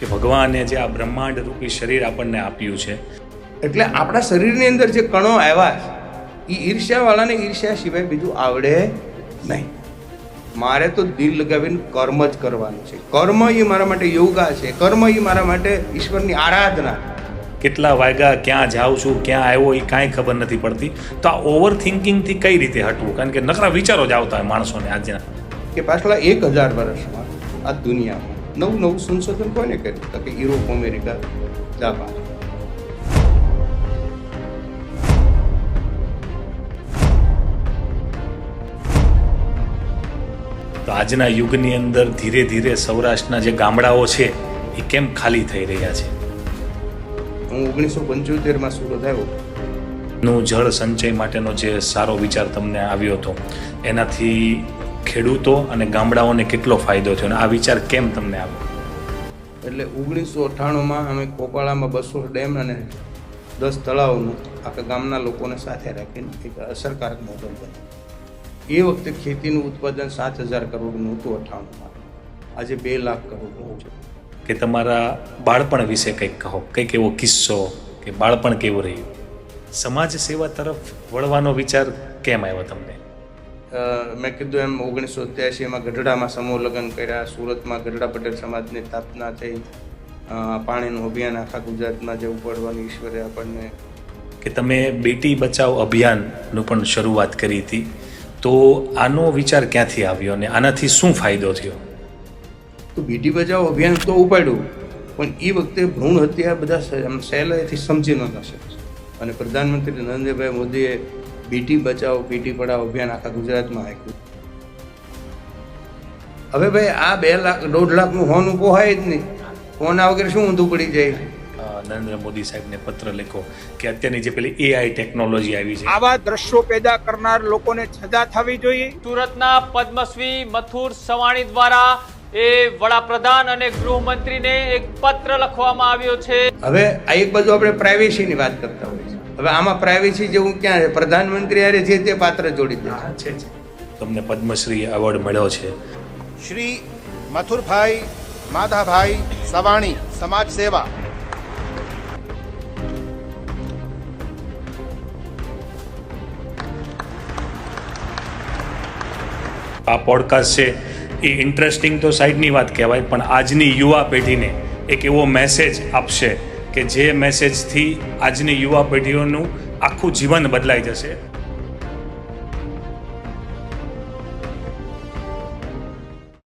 કે ભગવાને જે આ બ્રહ્માંડ રૂપી શરીર આપણને આપ્યું છે, એટલે આપણા શરીરની અંદર જે કણો આવ્યા છે એ ઈર્ષ્યાવાળાને ઈર્ષ્યા સિવાય બીજું આવડે નહીં. મારે તો દિલ લગાવીને કર્મ જ કરવાનું છે. કર્મ એ મારા માટે યોગા છે. કર્મ એ મારા માટે ઈશ્વરની આરાધના. કેટલા વાગ્યા, ક્યાં જાઉં છું, ક્યાં આવ્યો એ કાંઈ ખબર નથી પડતી. તો આ ઓવર થિંકિંગથી કઈ રીતે હટવું? કારણ કે નકરા વિચારો જ આવતા હોય માણસોને આજના. કે પાછલા 1000 વર્ષમાં આ દુનિયામાં નવું સંશોધન કોને કર્યું? તો કે યુરોપ, અમેરિકા, જાપાન. તો આજના યુગની અંદર ધીરે ધીરે સૌરાષ્ટ્રના જે ગામડાઓ છે એ કેમ ખાલી થઈ રહ્યા છે? હું 1975માં સુરત આવ્યો. નું જળ સંચય માટેનો જે સારો વિચાર તમને આવ્યો હતો, એનાથી ખેડૂતો અને ગામડાઓને કેટલો ફાયદો થયો અને આ વિચાર કેમ તમને આવ્યો? એટલે 1998માં અમે કોપાળામાં 200 ડેમ અને 10 તળાવનું આખા ગામના લોકોને સાથે રાખીને એક અસરકારક મોડલ બન્યું. એ વખતે ખેતીનું ઉત્પાદન 7000 કરોડનું હતું 98માં. આજે 2 લાખ કરોડનું છે. કે તમારા બાળપણ વિશે કંઈક કહો, કંઈક એવો કિસ્સો કે બાળપણ કેવું રહ્યું? સમાજ સેવા તરફ વળવાનો વિચાર કેમ આવ્યો તમને? મેં કીધું એમ 1983માં ગઢડામાં સમૂહ લગ્ન કર્યા. સુરતમાં ગઢડા પટેલ સમાજની સ્થાપના થઈ. પાણીનું અભિયાન આખા ગુજરાતમાં જે ઉપાડવાની ઈશ્વરે આપણને. કે તમે બેટી બચાવ અભિયાનનું પણ શરૂઆત કરી હતી, તો આનો વિચાર ક્યાંથી આવ્યો અને આનાથી શું ફાયદો થયો? તો બેટી બચાવ અભિયાન તો ઉપાડ્યું, પણ એ વખતે ભ્રૂણ હત્યા બધા સહેલાઈથી સમજી નહોતા શકતા. અને પ્રધાનમંત્રી નરેન્દ્રભાઈ મોદીએ બેટી બચાવો બેટી પઢાઓ અભિયાન આખા ગુજરાતમાં આપ્યું. હવે ભાઈ આ 2 લાખ 1.5 લાખનું હોનું પોહાય જ નહીં. હોના વગર શું ઊંધું પડી જાય? નરેન્દ્ર મોદી સાહેબને પત્ર લખો કે અત્યારની જે પેલી AI ટેકનોલોજી આવી છે, આવા દ્રશ્યો પેદા કરનાર લોકોને સજા થવી જોઈએ. સુરતના પદ્મશ્રી મથુર સવાણી દ્વારા એ વડાપ્રધાન અને ગૃહમંત્રીને એક પત્ર લખવામાં આવ્યો છે. હવે આ એક બાજુ આપણે પ્રાઇવેસીની વાત કરતા હોઈએ છીએ. હવે આમાં પ્રાઇવેસી જેવું ક્યાં છે? પ્રધાનમંત્રી હારે જે તે પાત્ર જોડી દે છે. તમને પદ્મશ્રી એવોર્ડ મળ્યો છે. શ્રી મથુરભાઈ માધાભાઈ સવાણી, સમાજ સેવા. આ પોડકાસ્ટ છે એ ઇન્ટરેસ્ટિંગ તો સાઈડની વાત કહેવાય, પણ આજની યુવા પેઢીને એક એવો મેસેજ આપશે કે જે મેસેજથી આજની યુવા પેઢીઓનું આખું જીવન બદલાઈ જશે.